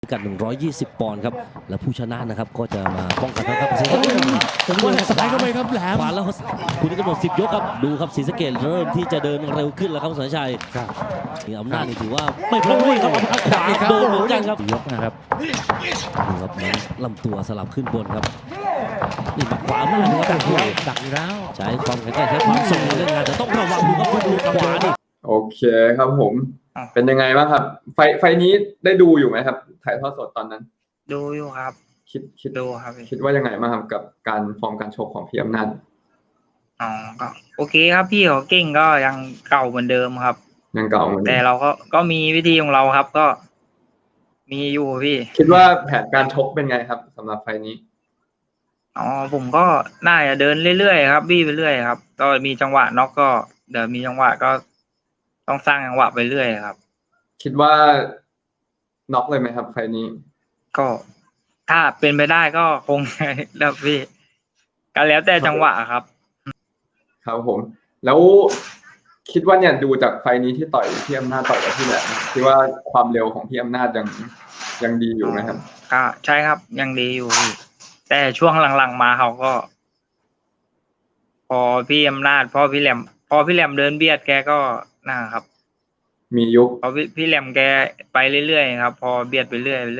กัน120 ปอนด์ครับและผู้ชนะนะครับก็จะมาป้องกันครับศรีสะเกษผมว่าซ้ายเข้าไปครับแหลมขวาแล้วคุณกำหนด10 ยกครับดูครับศรีสะเกษเริ่มที่จะเดินเร็วขึ้นแล้วครับสัญชัยนี่อำนาจนี่ถือว่าไม่พลาดด้วยครับเอาขวาโดนเหมือนกันครับยกนะครับดูครับน้ำลำตัวสลับขึ้นบนครับนี่หมัดขวาหน้าดูครับดักอยู่แล้วใช้ความแข็งแกร่งใช้ความทรงในเรื่องงานแต่ต้องระวังดูครับลูกขวานี่โอเคครับผมเป็นยังไงบ้างครับไฟนี้ได้ดูอยู่ไหมครับถ่ายทอดสดตอนนั้นดูอยู่ครับคิดดูครับคิดว่ายังไงบ้างครับกับการฟอร์มการชกของพี่อำนาจอ๋อก็โอเคครับพี่เขาเก่งก็ยังเก่าเหมือนเดิมครับยังเก่าเหมือนเดิมแต่เราก็มีวิธีของเราครับก็มีอยู่พี่คิดว่าแผนการชกเป็นไงครับสำหรับไฟนี้อ๋อผมก็น่าจะเดินเรื่อยๆครับบี้ไปเรื่อยครับก็มีจังหวะน็อกก็เดี๋ยวมีจังหวะก็ต้องสร้างจังหวะไปเรื่อยครับคิดว่าน็อกเลยไหมครับไฟนี้ก็ถ้าเป็นไปได้ก็คงแล้วพี่ก็แล้วแต่จังหวะครับครับผมแล้วคิดว่าเนี่ยดูจากไฟนี้ที่ต่อยพี่อำนาจต่อยกับพี่แหลมคิดว่าความเร็วของพี่อำนาจยังดีอยู่ไหมครับก็ใช่ครับยังดีอยู่พี่แต่ช่วงหลังๆมาเขาก็ พอพี่อำนาจพอพี่แหลมเดินเบียดแกก็นะครับมียุคพอพี่แหลมแกไปเรื่อยๆครับพอเบียดไปเรื่อย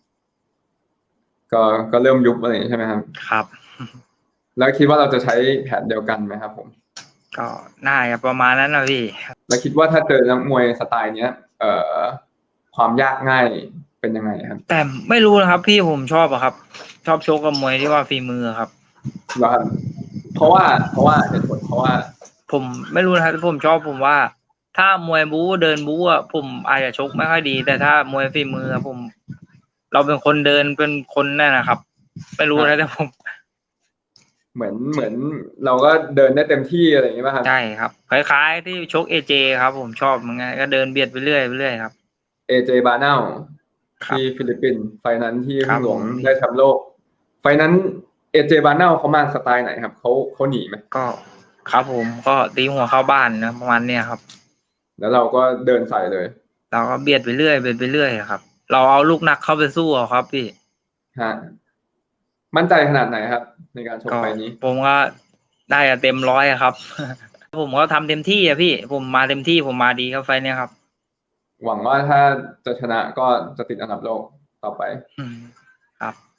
ก็เริ่มยุบอะไรใช่ไหมครับครับแล้วคิดว่าเราจะใช้แผนเดียวกันไหมครับผมก็น่าจะประมาณนั้นนะพี่แล้วคิดว่าถ้าเจอนักมวยสไตล์เนี้ยความยากง่ายเป็นยังไงครับแต่ไม่รู้นะครับพี่ผมชอบอะครับชอบชกกับมวยที่ว่าฝีมือครับแล้วเพราะว่าเหตุผลเพราะว่าผมไม่รู้นะครับผมว่าถ้ามวยบู๊เดินบู๊อะผมอาจจะชกไม่ค่อยดีแต่ถ้ามวยฝีมือเราเป็นคนเดินเป็นคนนั่นนะครับไม่รู้นะแต่ผมเหมือนเราก็เดินได้เต็มที่อะไรอย่างเงี้ยป่ะครับใช่ครับคล้ายๆที่ชกAJครับผมชอบเหมือนกันก็เดินเบียดไปเรื่อยครับ AJ บาร์เนลที่ฟิลิปปินส์ไฟนั้นที่พึ่งหลวงได้แชมป์โลกไฟนั้นAJ บาร์เนลเขามาสไตล์ไหนครับเขาหนีไหมก็ครับผมก็ตีหัวเข้าบ้านนะประมาณเนี้ยครับแล้วเราก็เดินใส่เลยเราก็เบียดไปเรื่อยครับเราเอาลูกหนักเข้าไปสู้ครับพี่ฮะมั่นใจขนาดไหนครับในการชกไฟนี้ผมก็ได้เต็มร้อยครับผมก็ทำเต็มที่อะพี่ผมมาเต็มที่ผมมาดีครับไฟเนี้ยครับหวังว่าถ้าจะชนะก็จะติดอันดับโลกต่อไปครับ